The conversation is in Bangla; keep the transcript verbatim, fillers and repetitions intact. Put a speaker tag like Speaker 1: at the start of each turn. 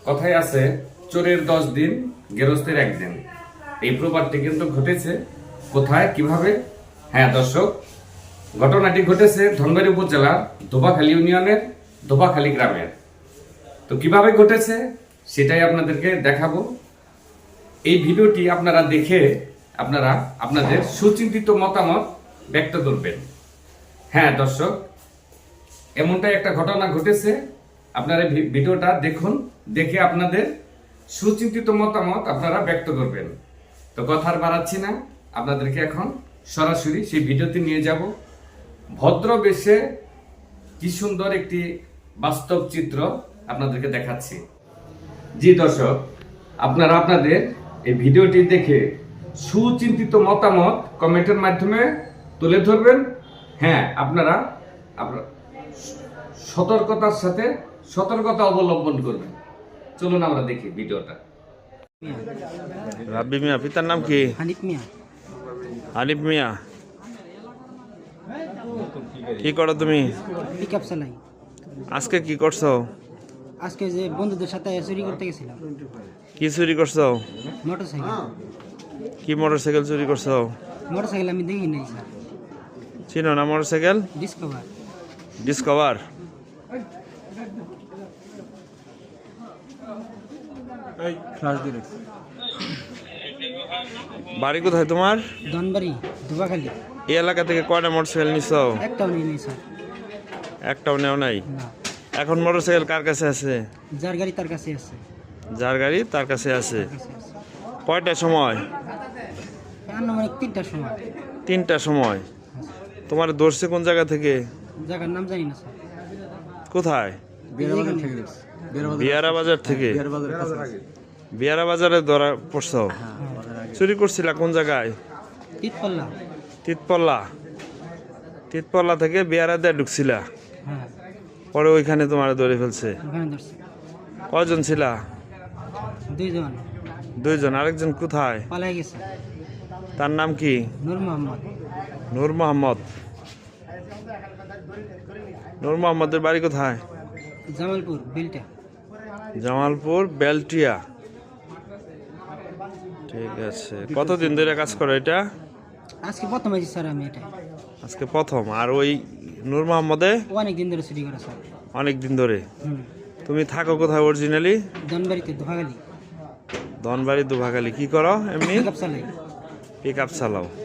Speaker 1: কথায় আছে চোরের দশ দিন গেরস্তের একদিন। এই প্রবাদটি কিন্তু ঘটেছে কোথায়, কিভাবে? হ্যাঁ দর্শক, ঘটনাটি ঘটেছে ধনবাড়ী উপজেলার ধোবাখালী ইউনিয়নের ধোবাখালী গ্রামের। তো কিভাবে ঘটেছে সেটাই আপনাদেরকে দেখাবো। এই ভিডিওটি আপনারা দেখে আপনারা আপনাদের সুচিন্তিত মতামত ব্যক্ত করবেন। হ্যাঁ দর্শক, এমনটাই একটা ঘটনা ঘটেছে। আপনারা ভিডিওটা দেখুন, দেখে আপনাদের সুচিন্তিত মতামত আপনারা ব্যক্ত করবেন। তো কথা আর বাড়াচ্ছি না, আপনাদেরকে এখন সরাসরি সেই ভিডিওতে নিয়ে যাব। ভদ্র বেশে কি সুন্দর একটি বাস্তব চিত্র আপনাদেরকে দেখাচ্ছি। জি দর্শক, আপনারা আপনাদের এই ভিডিওটি দেখে সুচিন্তিত মতামত কমেন্টের মাধ্যমে তুলে ধরবেন। হ্যাঁ, আপনারা আপনারা সতর্কতার সাথে সতর্কতা অবলম্বন করবেন। চলুন আমরা দেখি ভিডিওটা।
Speaker 2: রাব্বি মিয়া, পিতার নাম কি?
Speaker 3: হানিফ মিয়া।
Speaker 2: হানিফ মিয়া, কি করো তুমি?
Speaker 3: পিক আপ চালাই।
Speaker 2: আজকে কি করছো?
Speaker 3: আজকে যে বন্ধুদের সাথে চুরি করতে গেছিলাম।
Speaker 2: কি চুরি করছো?
Speaker 3: Motorcycle.
Speaker 2: কি মোটর সাইকেল চুরি করছো?
Speaker 3: মোটর সাইকেল আমি দেখি নাই স্যার।
Speaker 2: চিনো না মোটর সাইকেল?
Speaker 3: ডিসকভার।
Speaker 2: ডিসকভার। বাড়ি কোথায় তোমার?
Speaker 3: ধনবাড়ি ধোবাখালী।
Speaker 2: এই এলাকা থেকে কয়টা মোটর সাইকেল নিছো?
Speaker 3: একটাও নিয়ে নেই স্যার।
Speaker 2: একটাও নেও নাই?
Speaker 3: না।
Speaker 2: এখন মোটর সাইকেল কার কাছে আছে?
Speaker 3: যার গাড়ি তার কাছে আছে।
Speaker 2: যার গাড়ি তার কাছে আছে।
Speaker 3: তার কাছে আছে।
Speaker 2: কয়টার সময়?
Speaker 3: আনুমানিক তিনটার সময়।
Speaker 2: তিনটার সময়। তোমার ধরছে কোন জায়গা থেকে?
Speaker 3: জায়গার নাম জানি না স্যার।
Speaker 2: কোথায়?
Speaker 3: এখানে।
Speaker 2: বিয়ারা বাজার থেকে। বিয়ারা বাজারে ধরা পড়ছো? চুরি করছিলা কোন জায়গায়?
Speaker 3: তিতপাল্লা।
Speaker 2: তিতপল্লা। তিতপল্লা থেকে বিয়ারা দিয়ে ঢুকছিলা,
Speaker 3: হ্যাঁ,
Speaker 2: পরে ওইখানে তোমার ধরে ফেলছে।
Speaker 3: ওখানে ধরছে।
Speaker 2: কয়জন ছিলা?
Speaker 3: দুইজন।
Speaker 2: দুইজন। আরেকজন কোথায়?
Speaker 3: পালাই গেছে।
Speaker 2: তার নাম কি?
Speaker 3: নূর মোহাম্মদ।
Speaker 2: নূর মোহাম্মদ। নূর মোহাম্মদের বাড়ি কোথায়?
Speaker 3: জামালপুর বিলটা।
Speaker 2: জামালপুর বেলটিয়া। ঠিক আছে। কতদিন ধরে কাজ করো এটা?
Speaker 3: আজকে প্রথম আছি স্যার আমি এটা।
Speaker 2: আজকে প্রথম। আর ওই নূর মোহাম্মদে?
Speaker 3: অনেক দিন ধরে চুরি করে স্যার।
Speaker 2: অনেক দিন ধরে।
Speaker 3: হুম।
Speaker 2: তুমি থাকো কোথায় অরিজিনালি?
Speaker 3: ধনবাড়িতে ধোবাখালী।
Speaker 2: ধনবাড়ি দুভাগালি। কি করো এমনি?
Speaker 3: পিক আপ চালাই।
Speaker 2: পিক আপ চালাও।